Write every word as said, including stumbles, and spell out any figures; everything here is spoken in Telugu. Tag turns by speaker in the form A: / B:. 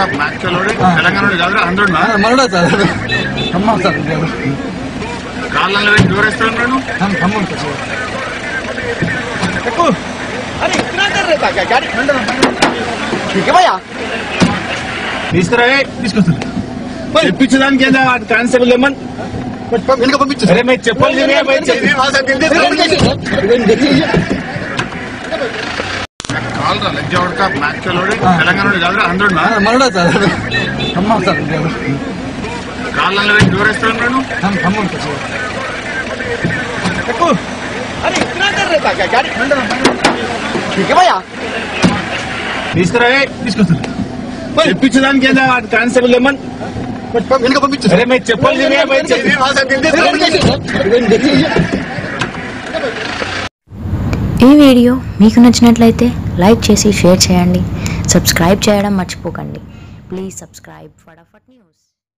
A: కప్ మ్యాచ్ తెలంగాణ హండ్రెడ్
B: మనడా సార్ అమ్మా సార్
A: కాళ్ళలో దూరేస్తున్నాను తీసుకురా
B: తీసుకొస్తాను
A: తెప్పించడానికి ఏదా కానిస్టేబుల్ ఏమన్
B: వెనుక పంపించు
A: అరే మీరు చెప్పాలి కాల్ రా leg out cup match Telangana hundred
B: మనడా సార్ అమ్మా సార్
A: కాళ్ళలో దూరేస్తున్నాను
B: అమ్మా
A: తీసుకురా
B: తీసుకొస్తాను
A: తెప్పించడానికి ఏదా కానిస్టేబుల్ ఏమన్
B: వెనుక పంపించు
A: అరే మీరు చెప్పాలి
C: ఈ వీడియో మీకు నచ్చినట్లయితే లైక్ చేసి షేర్ చేయండి, సబ్స్క్రైబ్ చేయడం మర్చిపోకండి. Please subscribe Fatafat news.